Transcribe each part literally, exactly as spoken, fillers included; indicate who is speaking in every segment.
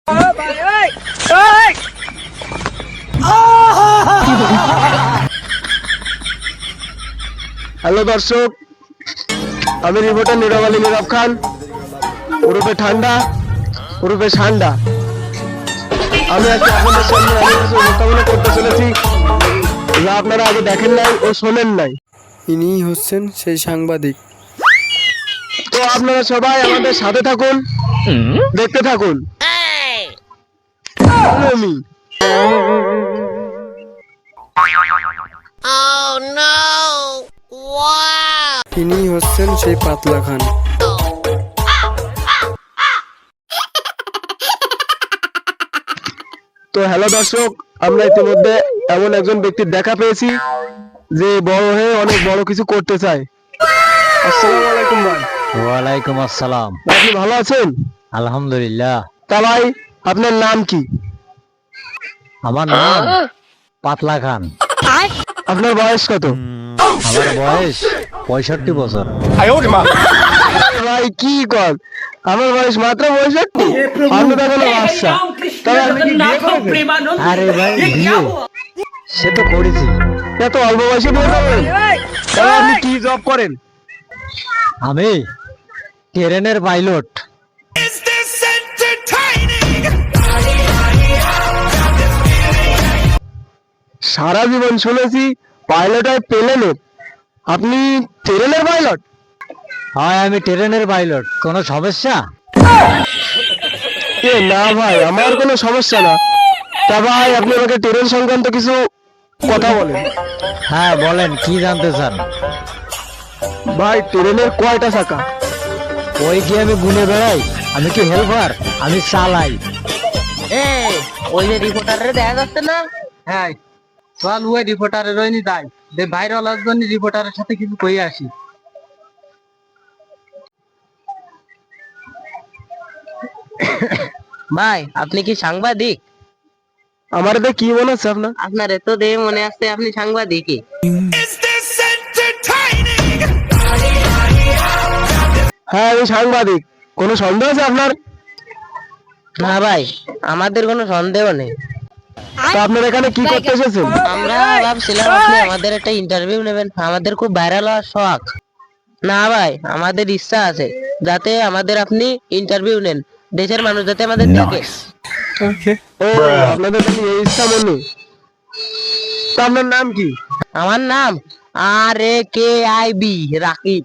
Speaker 1: Hello দর্শক, আমি reporter নীরব আলী নীরব খান, ওরফে ঠান্ডা ওরফে ঠান্ডা। আমি আজকে আপনাদের সামনে অনেক কিছু উপস্থাপনা করতে চলেছি যা আপনারা আগে দেখেন নাই ও শোনেন নাই।
Speaker 2: ইনি হচ্ছেন সেই সাংবাদিক।
Speaker 1: তো আপনারা সবাই আমাদের সাথে থাকুন, দেখতে থাকুন। আমি
Speaker 2: ইনি হচ্ছেন সেই পাতলা খান।
Speaker 1: তো হ্যালো দর্শক, আমরা ইতিমধ্যে এমন একজন ব্যক্তির দেখা পেয়েছি যে বড় হয়ে অনেক বড় কিছু করতে চায়। আসসালামু আলাইকুম ভাই।
Speaker 3: ওয়ালাইকুম আসসালাম।
Speaker 1: আপনি ভালো আছেন?
Speaker 3: আলহামদুলিল্লাহ।
Speaker 1: তা ভাই, আপনার নাম কি?
Speaker 3: আমার নাম পাতলা খান।
Speaker 1: আপনার বয়স কত?
Speaker 3: আমার বয়স পঁয়ষট্টি বছর।
Speaker 1: ভাই কি কর, আমার বয়স মাত্র পঁয়ষট্টি। আপনি তো এখনো বাচ্চা। তবে আপনি কি বিয়ে করেছেন?
Speaker 3: আরে ভাই, বিয়ে সে তো করেছি।
Speaker 1: এত অল্প বয়সে বিয়ে করবেন? তবে আপনি কি জব করেন?
Speaker 3: আমি ট্রেনের পাইলট।
Speaker 1: সারা জীবন শুনেছি পাইলট হয় প্লেনের, আপনি ট্রেনের পাইলট?
Speaker 3: হয়, আমি ট্রেনের পাইলট। কোনো সমস্যা?
Speaker 1: এ না ভাই, আমার কোনো সমস্যা না। তা ভাই, আপনি আমাকে ট্রেন সংক্রান্ত কিছু কথা বলেন।
Speaker 3: হ্যাঁ বলেন, কি জানতে চান?
Speaker 1: ভাই, ট্রেনের কয়টা চাকা?
Speaker 3: ওই কি আমি গুনে বেড়াই? আমি কি হেল্পার? আমি চালাই।
Speaker 4: ওই যে রিপোর্টারে দেখা যাচ্ছে না?
Speaker 3: হ্যাঁ চল, ওই রিপোর্টারের ওই নি যাই, দে ভাইরাল হওয়ার জন্য রিপোর্টারের সাথে কিছু কই আসি।
Speaker 4: ভাই, আপনি কি সাংবাদিক?
Speaker 1: আমার এতে কি মনে হচ্ছে আপনার?
Speaker 4: আপনার এত দেখে মনে আসছে আপনি সাংবাদিকই।
Speaker 1: হ্যাঁ, আমি সাংবাদিক। কোনো সন্দেহ আছে আপনার?
Speaker 4: না ভাই, আমাদের কোনো সন্দেহ নেই।
Speaker 1: তা আপনার এখানে কি করতে এসেছেন?
Speaker 4: আমরা ভাবছিলাম আপনি আমাদের একটা ইন্টারভিউ নেবেন, আমাদের খুব ভাইরাল হওয়ার শখ। না ভাই, আমাদের ইচ্ছা আছে যাতে আমাদের আপনি ইন্টারভিউ নেন, দেশের মানুষ যাতে আমাদের দেখে।
Speaker 1: ও, আপনাদের খালি এই ইচ্ছা মনে। তা আপনার নাম কি?
Speaker 4: আমার নাম R A K I B Rakib.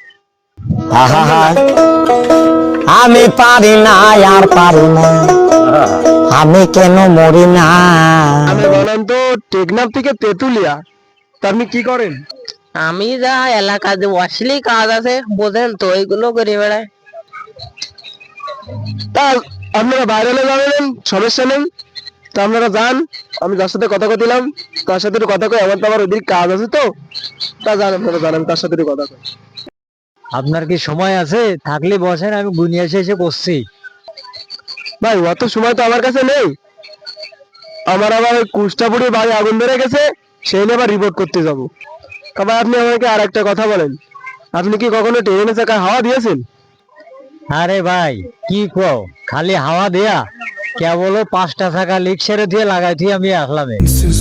Speaker 5: আমি পারি না, আর পারি না, আমি কেন মরি না।
Speaker 1: আমি বলেন তো টেকনাফ থেকে তেতুলিয়া। তা আপনি কি করেন?
Speaker 4: আমি যা এলাকা যে অশ্লীল কাজ আছে বোঝেন তো, ওইগুলো করে বেড়ায়।
Speaker 1: তা আপনারা বাইরে যাবেন, সমস্যা নেই। তা আপনারা যান, আমি যার সাথে কথা কইলাম তার সাথে একটু কথা কই। আমার তো আবার ওদিকে কাজ আছে, তো তা যান, আপনারা জানেন তার সাথে একটু কথা কই।
Speaker 3: আপনার কি সময় আছে? থাকলে বসেন, আমি গুনিয়ে এসে এসে করছি।
Speaker 1: ভাই, অত সময় তো আমার কাছে নেই। আমার আবার ওই কুষ্টাপুরি বাড়ি আগুন ধরে গেছে, সেই নিয়ে আবার রিপোর্ট করতে যাবো। তবে আপনি আমাকে আর একটা কথা বলেন, আপনি কি কখনো ট্রেনে চাকায় হাওয়া দিয়েছেন?
Speaker 3: আরে ভাই কি কও, খালি হাওয়া দেয়া কেবল পাঁচটা থাকা লিক সেরে দিয়ে লাগাই দিয়ে আমি আসলাম।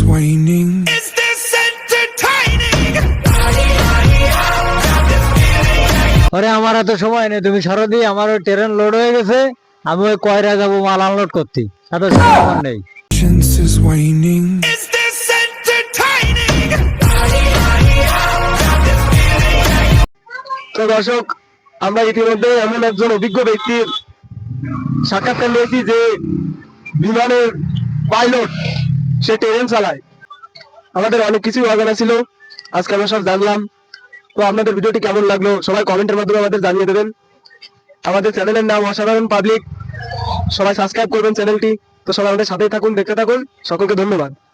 Speaker 3: আরে আমার এত সময় নেই, তুমি সরো দিয়ে, আমার ওই ট্রেন লোড হয়ে গেছে, আমি ওই কয়রা যাবো মাল আনলোড করতে, এত সময় আমার নেই।
Speaker 1: তো দর্শক, আমরা ইতিমধ্যে এমন একজন অভিজ্ঞ ব্যক্তির সাক্ষাৎকার নিয়েছি যে বিমানের পাইলট, সে ট্রেন চালায়। আমাদের অনেক কিছু অজানা ছিল, আজকে আমরা সব জানলাম। তো আপনাদের ভিডিওটি কেমন লাগলো সবাই কমেন্টের মাধ্যমে আমাদের জানিয়ে দেবেন। আমাদের চ্যানেলের নাম অসাধারণ পাবলিক, সবাই সাবস্ক্রাইব করবেন চ্যানেলটি। তো সবাই আমাদের সাথেই থাকুন, দেখতে থাকুন। সকলকে ধন্যবাদ।